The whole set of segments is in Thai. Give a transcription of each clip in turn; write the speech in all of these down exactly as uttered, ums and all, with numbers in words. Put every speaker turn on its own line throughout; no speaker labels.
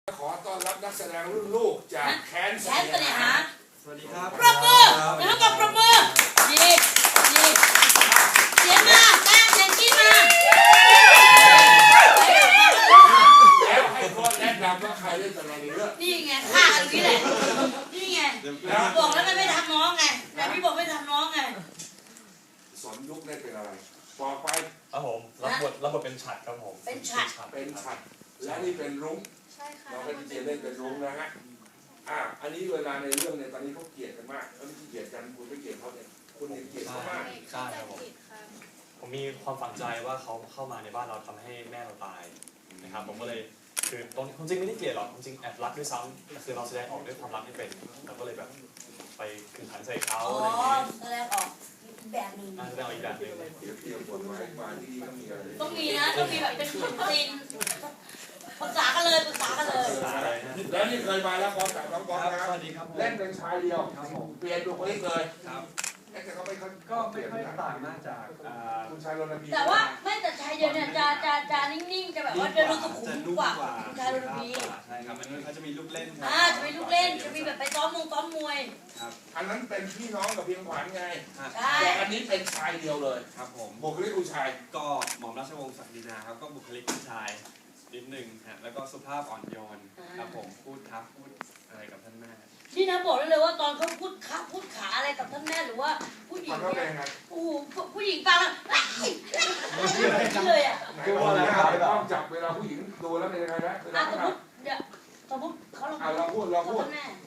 ขอต้อนรับนักแสดงรุ่นลูกจากแคนเสน่หา
สวัสดีครับ
ปรบมือแล้วก็ปรบมือดีดีเสียงมาแป้งเสียงกี้มา
แล้วให้คนแนะนำว่าใครเล่นอะไรในเรื่อง
นี่ไงฆ่ากันนี่แหละนี่ไงบอกแล้วไม่ทำน้องไงแต่พี่บอกไม่ทำน้องไง
สอนยุคเล่นเป็นอะไรบอกไป
ครับผมรับบทรับบทเป็นฉัดครับผม
เป็นฉัด
เป็นฉัดและนี่เป็นรุ้งเราเป็นเจเล่นเป็นรุ้งนะฮะอ่าอันนี้เวลาในเรื่องเนี่ยตอนนี้เขาเกลียดกันมากเขาไม่เกลียดกันคุณไม่เกลียดเขาเนี่ยคุณเนี่ยเกลียดเขามาก
ใช่ครับผมผมมีความฝังใจว่าเขาเข้ามาในบ้านเราทำให้แม่เราตายนะครับผมก็เลยคือตรงจริงไม่ได้เกลียดหรอกจริงแอบรักด้วยซ้ำคือเราแสดงออกด้วยความรักไม่เป็นเราก็เลยแบบไปขึ้นขันใส่เขาอะไรอย่างเงี้ย
แสดงออกแบบนึง
แสดงออกอีกแบบนึง
เดี๋ยวเตรียมบทไว้มาที่นี่ต้องมีอะไร
ต้องมีนะต้องมีแบบเป็นซีนปรึกษากันเลยปรึกษากันเลย
แล้วนี่เคยมาแล้วพร้อมกับน้องบอลนะครับเล่นเป็นชายเดียวเปลี่ยนบุคลิกเลยแต่เขาไม่ค่อย
ก็ไม่ค่อยต่างมากจาก
คุณชายรณพี
แต่ว่าไม่แต่ชายเดียวเนี่ยจะจะจะนิ่งๆจะแบบว่าจะดูสุขุมกว่าคุณชายรณพี
ใช่ครับมันเขาจะมีลูกเล่น
อ่าจะมีลูกเล่นจะมีแบบไปซ้อมมงซ้อมมวย
ครับอันนั้นเป็นพี่น้องกับเพียงขวัญไง
ใช่
แต่อันนี้เป็นชายเดียวเลย
ครับผม
บุคลิกผู้ชาย
ก็หม่อมราชวงศ์ศักดินาครับก็บุคลิกผู้ชายนิดหนึ่งฮะแล้วก็สุภาพอ่อนโยนครับผมพูดทักพูดอะไรกับท่านแม่
นี่นะบอกได้เลยว่าตอนเขาพูดขาพูดขาอะไรกับท่านแม่หรือว่าผู้หญิง
เนี่ย
โอ้โหผู้หญิงฟังแล้วเลยอ่ะ
คือว่าอะไรครับต้องจับเวลาผู้หญิงดูแล้วเป็นยังไงนะ
อ่ะสมมติเดี๋ยวสมมติเขาลอง
เราพูดเราพูด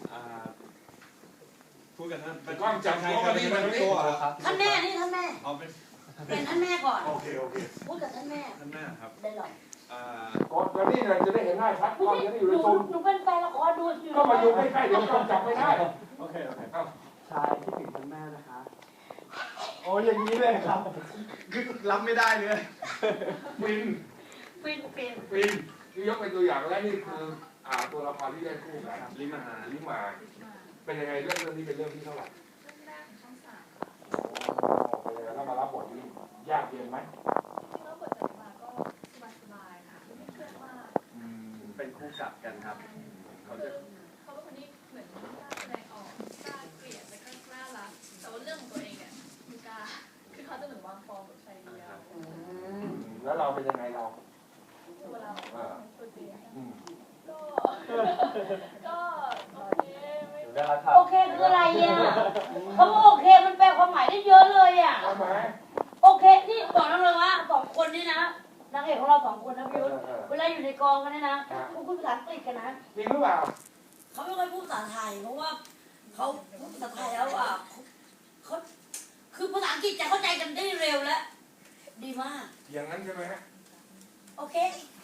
พูดกันท่าน
เป็นกล้องจับตัวกันนี่มันไม่ตัวครับ
ท่านแม่นี่ท่านแม่
เอาเป็น
เป็นท่านแม่ก่อน
โอเคโอเค
พูดกับท่านแม่
ท่านแม่ครับ
ได้หรอ
ก่อนจะนี่จะได้เห็นหน้าชัดก่อนจะได้อยู่ในซูม
หนูเป็นแฟนละครดูอยู่
ก็มาอยู่ใกล้ๆเดี๋ยวต้องจับไม่ได้
โอเคโอเคชายที่ถึงท่านแม่นะคะโอ้อย่างนี้เลยครับคือรับไม่ได้เลย
ฟิน
ฟินฟิน
ฟินนี่ยกเป็นตัวอย่างและนี่คืออ่าตัวละครที่ได้คู่กัน
ลิมา
ลิมาเป็นยังไงเรื่องเรื่องนี้เป็นเรื่องที่เท่าไหร่
เรื่องแรกช่องสาม
เป็นยังไงถ้ามารับบทนี้ยากเย็นไหม
ที่เราบทจะมาก็สบายๆค่ะไม่เครียดมาก
เป็นคู่กัดกันครับ
เขาจะเขาเป็นคนที่เหมือนกล้าแสดงออกกล้าเกลียดแล้วก็กล้ารักแต่ว่าเรื่องของตัวเองเนี่ยไม่กล้าคือเขาจะเหมือนวางฟอร์มแบบชายเดียว
แล้วเราเป็นยังไงเรา
ตัวเราตัวจริงก็ก็โอเคไม่
โอเคคืออะไรอ่ะเขาบอกโอเคมันแปลความหมายได้เยอะเลยอ่ะโอเคนี่บอกน้องเลยว่าสองคนนี่นะนางเอกของเราสองคนนะพี่ยุทธเวลาอยู่ในกองกันเนี่ยนะเขาพูดภาษาอังกฤษกันนะ
จริงหรือเปล่า
เขาไม่ค่อยพูดภาษาไทยเพราะว่าเขาพูดภาษาไทยแล้วอ่ะเขาคือภาษาอังกฤษจะเข้าใจกันได้เร็วและดีมาก
อย่างนั้นใช่ไหมฮะ
โอเค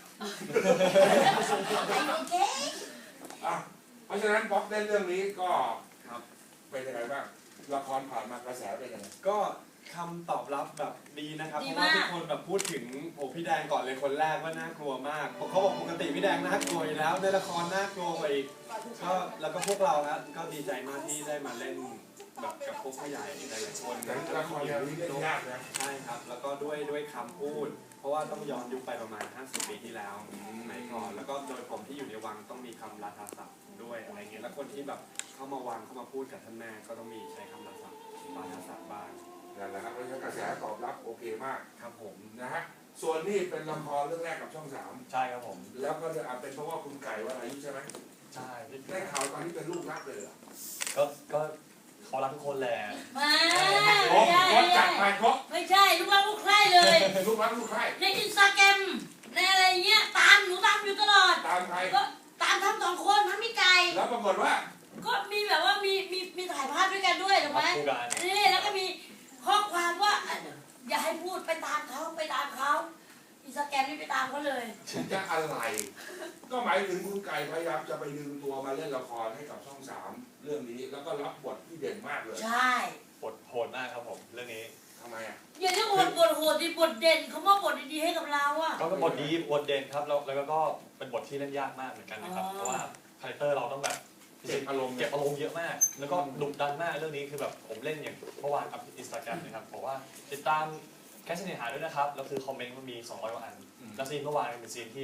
โอเค
อ่ะเพราะฉะนั้นป๊อกเล่นเรื่องนี้ก็เป็นยังไงบ้างละครผ่านมากระแสเป็นยังไง
ก็คำตอบรับแบบดีนะครับเพราะว่าทุกคนแบบพูดถึงโอ้พี่แดงก่อนเลยคนแรกว่าน่ากลัวมากเขาบอกปกติพี่แดงน่ากลัวอยู่แล้วในละครน่ากลัวไปอีกก็แล้วก็พวกเราครับก็ดีใจมากที่ได้มาเล่นแบบกับพวกผู้ใหญ่หลายๆคน
ละครเรื่องนี้เล่นยากนะ
ใช่ครับแล้วก็ด้วยด้วยคำพูดเพราะว่าต้องย้อนยุคไปประมาณห้าสิบปีที่แล้วสมัยก่อนแล้วก็โดยผมที่อยู่ในวังต้องมีคำราชาศัพท์ด้วยอะไรเงี้ยแล้วคนที่แบบเข้ามาวังเข้ามาพูดกับท่านแม่ก็ต้องมีใช้คำราชาศัพท์บ้าง
นั่นแหละครับเพราะฉะนั้นกระแสตอบรับโอเคมาก
ครับผม
นะฮะส่วนนี้เป็นละครเรื่องแรกกับช่องสาม
ใช่ครับผม
แล้วก็จะเป็นเพราะว่าคุณไก่วรายุใช่ไหม
ใช่
ได้ข่าวตอนนี้เป็นลูกรักเลยเหรอ
ก็ก็เขารักทุกคนแหละ
ไม่
ใช่จัดไปครบ
ไม่ใช่ลูกรักลูกใคร่เลย
ลูกรักลูกใคร่
ในอินสตาแกรมในอะไรเงี้ยตามหนูตามอยู่ตลอด
ตามใคร
ก็ตามทั้งสองคนทั้งพี่ไก่
แล้วปรากฏว่า
ก็มีแบบว่ามีมีมีถ่ายภาพด้วยกันด้วยถูกไหมนี่แล้วก็มีข้อความว่าอย่าให้พูดไปตามเขาไปตามเขาอินสตาแกรมนี่ไปตามเขาเลย
จะอะไรก็หมายถึงคุณไก่พยายามจะไปดึงตัวมาเล่นละครให้กับช่องสามเรื่องนี้แล้วก็รับบทที่เด่นมากเลย
ใช่
บทโหดมากครับผมเรื่องนี้
ทำไมอ่ะ
อย่าเรียกบทบทโหดดิบทเด่นเขาว่าบทดีๆให้กับเราอ่ะ
ก็เป็นบทดีบทเด่นครับแล้วแล้วก็เป็นบทที่เล่นยากมากเหมือนกันนะครับเพราะว่าคาแรคเตอร์เราต้องแบบ
เก็บอารมณ์
เก็บอารมณ์เยอะมากแล้วก็ดุดันมากเรื่องนี้คือแบบผมเล่นอย่างเมื่อวานอัพอินสตาแกรมนะครับบอกว่าติดตามแคสเนหาด้วยนะครับแล้วคือคอมเมนต์มันมีสองร้อยกว่าอันแล้วซีนเมื่อวานเป็นซีนที่โห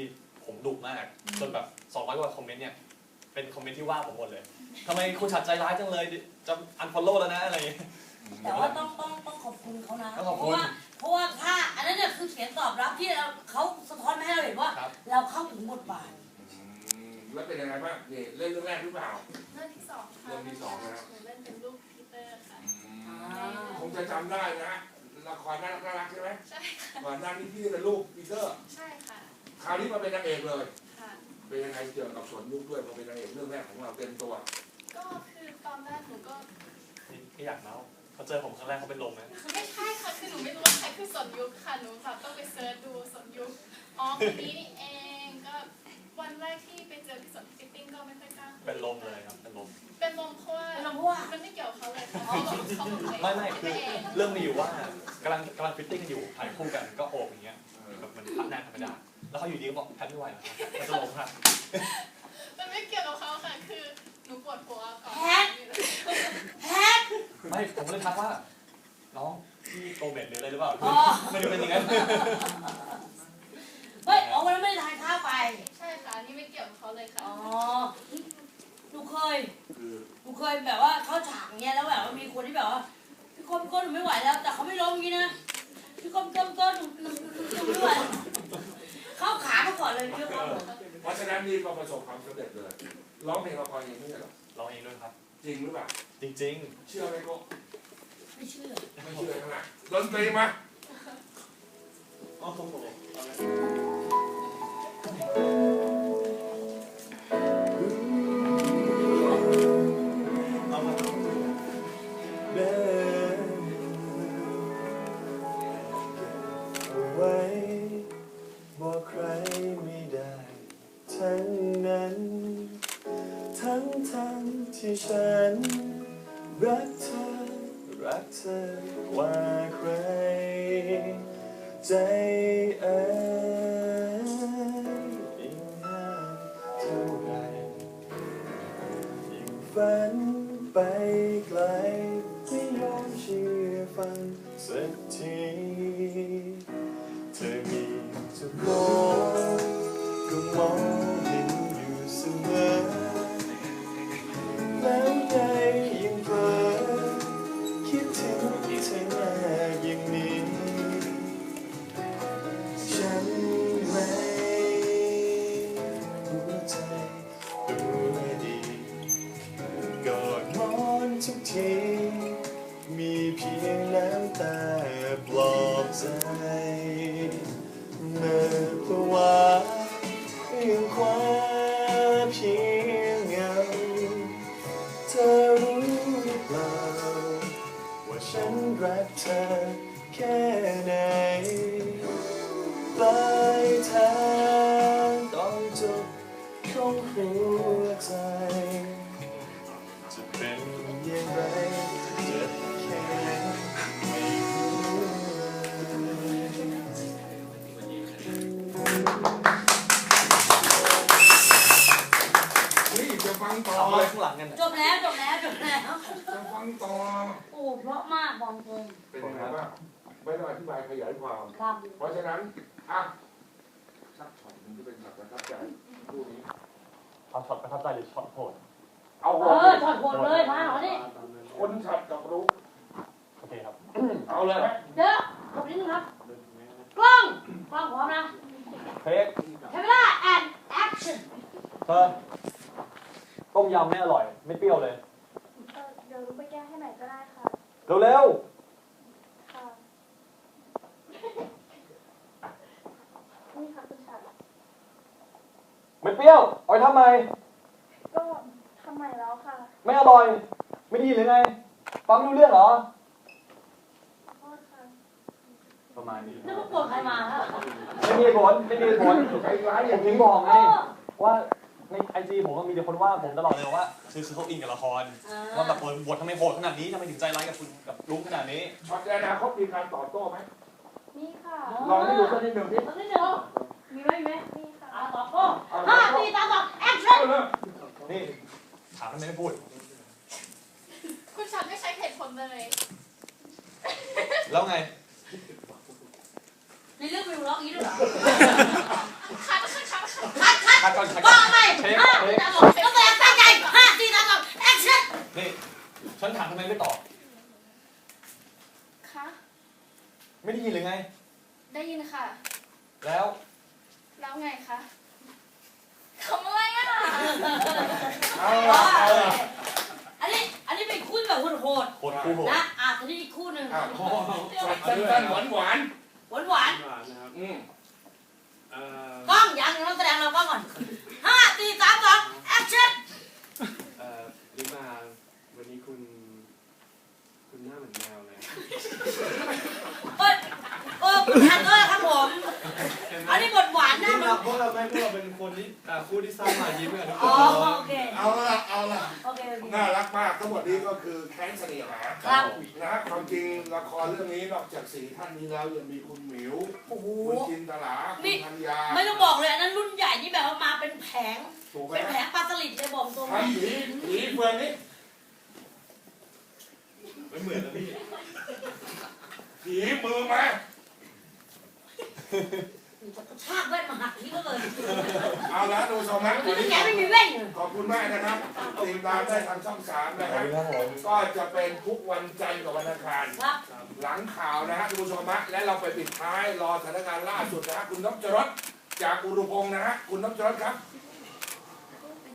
ผมดุมากจนแบบสองร้อยกว่าคอมเมนต์เนี่ยเป็นคอมเมนต์ที่ว่าผมหมดเลยทำไมคุณชัดใจร้ายจังเลยจะอันฟอลโล่แล้วนะอะไรอย่างเงี้ย
แต่ว่าต้องต้องต้องขอบคุณเขานะ
ต้องขอบ
เพ
คุณ
ราะว่าเพราะว่าถ้าอันนั้นเนี่ยคือเสียงตอบรับที่เราเขาสะท้อนมาให้เราเห็นว่า
ครับ
เราเข้าถึงบทบาท
อืมแล้วเป็นยังไงบ้างนี่เล่นเรื่องแรกหรือเปล่า
เรื่องที่สองค่ะ
เรื่องที่สองนะครับ
หนูเล่นเป็นลูกพีเตอร์ค่ะ
คงจะจำได้นะฮะละครน่ารักน่ารักใช่ไหม
ใช่ค่ะ
ก่อนหน้านี้พี่เป็นลูกปีเตอร์
ใช่ค่ะ
คราวนี้มาเป็นนางเอกเลย
ค่ะ
เป็นยังไงเกี่ยวกับสวนยุคด้วยพอเป็นนางเอกเรื่องแรกของเราเต็มตัว
ก็คือตอนแรกหนูก็
ไม่อยากเมาเขาเจอผมครั้งแรกเขาเป็นลมนะ
ไม่ใช่ค่ะ คือหนูไม่รู้ว่าใครคือสนยุคค่ะ หนูแบบต้องไปเซิร์ชดูสนยุค อ๋อคนนี้นี่เอง ก็วันแรกที่ไปเจอพี่สนฟิตติ้งก็ไม่ค่อยกล้าคุย
เป็นลมเลยครับเป็นลม
เป็นลมเพราะว่า
เป็นลมเพราะว่า
มันไม่เกี่ยวกับเขาเลยค่ะเขาบอกเขาบอกเลย
ไม่ไม่คือ
เอง
เรื่องมีอยู่ว่ากำลังกำลังฟิตติ้งกันอยู่ถ่ายคู่กันก็โอบอย่างเงี้ยแบบมันพักหน้าธรรมดาแล้วเขาอยู่ดีก็บอกแพทไม่ไหวแล้วครับมันจะลมครับ
มันไม่เกี่ยวกับเขาค่ะ คือหนูปวดหัวก่อน
แพท แพท
ไม่ผมก็เลยทักว่าน้องพี่โกเมดหรืออะไรหรือเปล่า
อ๋อ
ไม่ได้เป็นอย่างนั้น
เฮ้ยอ๋อวันนั้นไม่ได้ทานข้าวไป
ใช่ค่ะอันนี่ไม่เกี่ยวกับเขาเลยค่ะ
อ๋อหนูเคย
คือ
หนูเคยแบบว่าเข้าฉากอย่างเงี้ยแล้วแบบว่ามีคนที่แบบว่าพี่โก้พี่โก้หนูไม่ไหวแล้ว แต่เขาไม่ล้มอย่างงี้นะพี่โก้พี่โก้พี่โก้หนูหนูหนูหนูไม่ไหวเข้าขามาก่อนเลยพี่โก้
เพราะฉะนั้นนี่ก็ประสบความสำเร็จเลยร้องเพลงละครเองไม่ใช่เหรอ
ร้องเองด้วยครับ
จริงหรือเปล่า
จริง
เชื่อไหมโก็
ไม่เชื่อ
ไม่เชื่อทั้งนั้นดนตรีมา
โอ้โห เอามาเดินเอาไว้บอกใครไม่ได้ทั้งนั้น ทั้งทั้งที่ฉันรักเธอ รักเธอกว่าใคร ใจเอ๋ยยิ่งห่างเท่าไรยิ่งฝันไปไกลไม่ยอมเชื่อฟังสักทีเธอมีเจ้าของก็มองเห็นอยู่เสมอแล้วใจยิ่งเพ้อคิดถึงเธอมากอย่างนี้ฉันไม่หัวใจตัวดีกอดหมอนทุกทีมีเพียงน้ำตาปลอบใจเมื่อภาวะยังคว้าเพียงเงาเธอรู้หรือเปล่าว่าฉันรักเธอแค่ไหนปลายทางต้องจบของหัวใจจะเป็นอย่างไรจะแค่ไม่รู้เลย
นี่จะฟังต่อ
ๆเอา
เล
มาย ข้างหลังกัน
จบแล้วจบแล้วจบแล้ว
จะฟังต่อ
โอ้เพราะมากบอกตรง
เป็นยังไงบ้างไม่ต้องอธิบายขยายความ
ครับ
เพราะฉะนั้นอ่ะสักช็อตหนึงที่เป็นช็อตประทับใจคู่นี้
เอาช็อตประทับใจหรือช็อตโหด
เอา
เอ
หัว
อถอดหัวเลยพาเขาดิ
คนช็อตกับรู้
โอเคครับ
เอาเลยไหม
เดี๋ยวขอบนิดนึงครับ กล้อง กล้องพร้อมนะ
เทค
เทเวลาแอนแอคชั่น
เธอต้มยำไม่อร่อย ไม่เปรี้ยวเลย
เออเดี๋ยวรู้ไปแก้ให้ไหนก็ได้ค่ะ
เร็ว
ค่ะ นี่ค่ะคุณชัด
ๆไม่เปรี้ยวเอาไปทำไม
ก็ทำใหม่แล้วค่ะ
ไม่อร่อย ไม่ดีหรือไง ฟังไม่รู้เรื่องเหรอ
ขอโทษค่ะ
ประมาณนี้
นี่มันโกรธใครมาฮะ
ไม่มีเหตุผลไม่มีเหตุผล
ใจร้ายอ
ผ
ย่าม ง
ถึ
นี้
งบอกไง
เออ
ว่าในไอจีผมก็มีแต่คนว่าผมตลอดเลยว่าคือคือเขาอินกับละคร
อ่า
ว่าแบบบททำไมโหดขนาดนี้ทำไมถึงใจร้ายกับคุณกับลุงขนาดนี้
ช็อตในอนาคตมีการตอบโต้ไหม
นี่ค่ะ
ลองให้ดูสักนิดหนึ่งดิ
ตอนนี้เดี๋ยวมีไหมมีไหม
นี่ค่ะ
อ่าต่อก็ห้าสี่สามสองแอคชั่น
เอาเลย
นี่ถามทำไมไม่พูด
คุณชัดไม่ใช้เหตุผลเลย
แล้วไง
จในเรื่องวิวล็อกนี้ด้วยเหรอ
คัดคัดคัดคัด
คัดคัด
คัดก่อนคัด
บ
ก่
อ
อน
กไหมห้าสี่สามสองต้องแสดงตั้งใจห้าสี่สามสองแอคชั่น
นี่ฉันถามทำไมไม่ตอบ
คะ
ไม่ได้ยินเลยไง
ได้ยินค่ะ
แล้ว
แล้วไงคะทำอะไรอ่ะ
เอาละเอาละ
อันนี้อันนี้เป็นคู่แบบโหด
โหดคู่โหด
ๆนะอ่ะทีนี้อีกคู่หนึ่ง
อ่ะสั้นๆหวานหวาน
หวานหวาน
หวานนะครับ
ๆอืม
เอ่อ
ๆกล้องยังยังต้องแสดงเรากล้องก่อนห้าสี่สามสองแอคชั่น
เอ่อลิมาวันนี้คุณ คุณหน้าเหมือนแมวเลย
เอ้ยเออคุณทันด้วยครับผมอันนี้บทหวานนะ
นี่
มัน
เราพวกเราไม่พวกเราเป็นคนที่อ่าคู่ที่สร้างรอยยิ้มกันทุกค
อ๋อน โอเค
เอาละเอาละ
โอเคโอเค
น่ารักมากทั้งหมดนี้ก็คือแค้นเสน่หา
ครับ
นะฮะความจริงละครเรื่องนี้นอกจากสี่ท่านนี้แล้วยังมีคุณหมิว
โอ้โห
คุณจินตลาคุณธัญญา
ไม่ต้องบอกเลยอันนั้นรุ่นใหญ่ที่แบบว่ามาเป็นแผง
ถูกไหม
เป็นแผงปลาสลิดเลยบอกตรง
ทำผีผีเฟืองนี้
ไม่เหมือนนะพี่
ผีมือมา
ชากแว่นมาหักทีก็เลย
เอาละดูสมัคร
คือแกไม่มีแว่นเลย
ขอบคุณมากนะครับติดตามได้ทางช่องสามนะครับก็จะเป็นทุกวันจันทร์กับวันอังคาร
ครับ
หลังข่าวนะฮะดูชมฮะและเราไปปิดท้ายรอสถานการณ์ล่าสุดนะฮะคุณนพจรสจากอุรุพงศ์นะฮะคุณนพจรสครับ